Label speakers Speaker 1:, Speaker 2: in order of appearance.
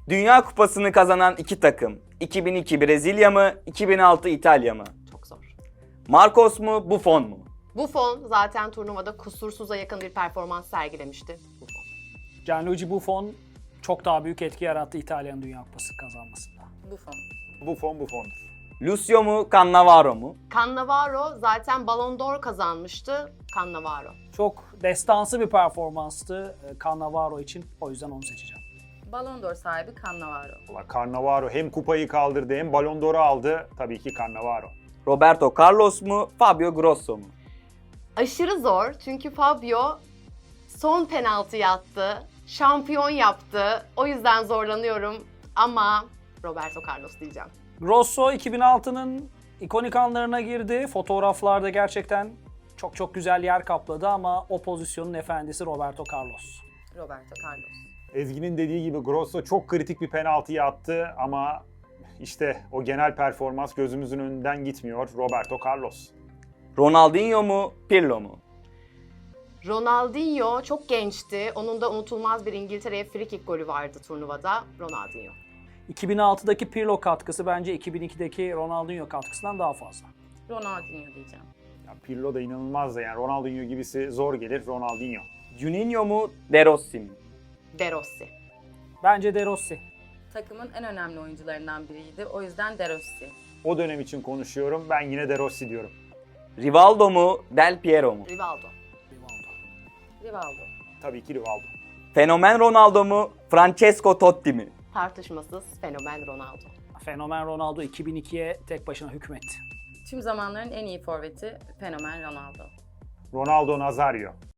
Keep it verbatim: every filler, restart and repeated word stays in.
Speaker 1: Dünya Kupası'nı kazanan iki takım. iki bin iki Brezilya mı, iki bin altı İtalya mı?
Speaker 2: Çok zor.
Speaker 1: Marcos mu, Buffon mu?
Speaker 2: Buffon zaten turnuvada kusursuza yakın bir performans sergilemişti. Buffon.
Speaker 3: Gianluigi Buffon çok daha büyük etki yarattı İtalya'nın Dünya Kupası kazanmasında.
Speaker 4: Buffon.
Speaker 5: Buffon Buffon'dur.
Speaker 1: Lucio mu, Cannavaro mu?
Speaker 2: Cannavaro zaten Ballon d'Or kazanmıştı. Cannavaro.
Speaker 3: Çok destansı bir performanstı e, Cannavaro için. O yüzden onu seçeceğim.
Speaker 4: Ballon d'Or sahibi Cannavaro.
Speaker 5: Valla Cannavaro hem kupayı kaldırdı hem Ballon d'Or'u aldı. Tabii ki Cannavaro.
Speaker 1: Roberto Carlos mu, Fabio Grosso mu?
Speaker 2: Aşırı zor çünkü Fabio son penaltıyı attı. Şampiyon yaptı. O yüzden zorlanıyorum ama Roberto Carlos diyeceğim.
Speaker 3: Grosso iki bin altının ikonik anlarına girdi. Fotoğraflarda gerçekten çok çok güzel yer kapladı ama o pozisyonun efendisi Roberto Carlos.
Speaker 4: Roberto Carlos.
Speaker 5: Ezgi'nin dediği gibi Grosso çok kritik bir penaltıyı attı ama işte o genel performans gözümüzün önünden gitmiyor. Roberto Carlos.
Speaker 1: Ronaldinho mu, Pirlo mu?
Speaker 2: Ronaldinho çok gençti. Onun da unutulmaz bir İngiltere'ye free kick golü vardı turnuvada. Ronaldinho.
Speaker 3: iki bin altıdaki Pirlo katkısı bence iki bin ikideki Ronaldinho katkısından daha fazla.
Speaker 4: Ronaldinho diyeceğim.
Speaker 5: Ya Pirlo da inanılmaz da yani Ronaldinho gibisi zor gelir Ronaldinho.
Speaker 1: Juninho mu, De Rossi mi?
Speaker 2: De Rossi.
Speaker 3: Bence De Rossi.
Speaker 4: Takımın en önemli oyuncularından biriydi. O yüzden De Rossi.
Speaker 5: O dönem için konuşuyorum. Ben yine De Rossi diyorum.
Speaker 1: Rivaldo mu, Del Piero mu?
Speaker 2: Rivaldo.
Speaker 3: Rivaldo.
Speaker 4: Rivaldo.
Speaker 5: Tabii ki Rivaldo.
Speaker 1: Fenomen Ronaldo mu, Francesco Totti mi?
Speaker 2: Tartışmasız fenomen Ronaldo.
Speaker 3: Fenomen Ronaldo iki bin ikiye tek başına hükmetti.
Speaker 4: Tüm zamanların en iyi forveti fenomen Ronaldo.
Speaker 5: Ronaldo Nazario.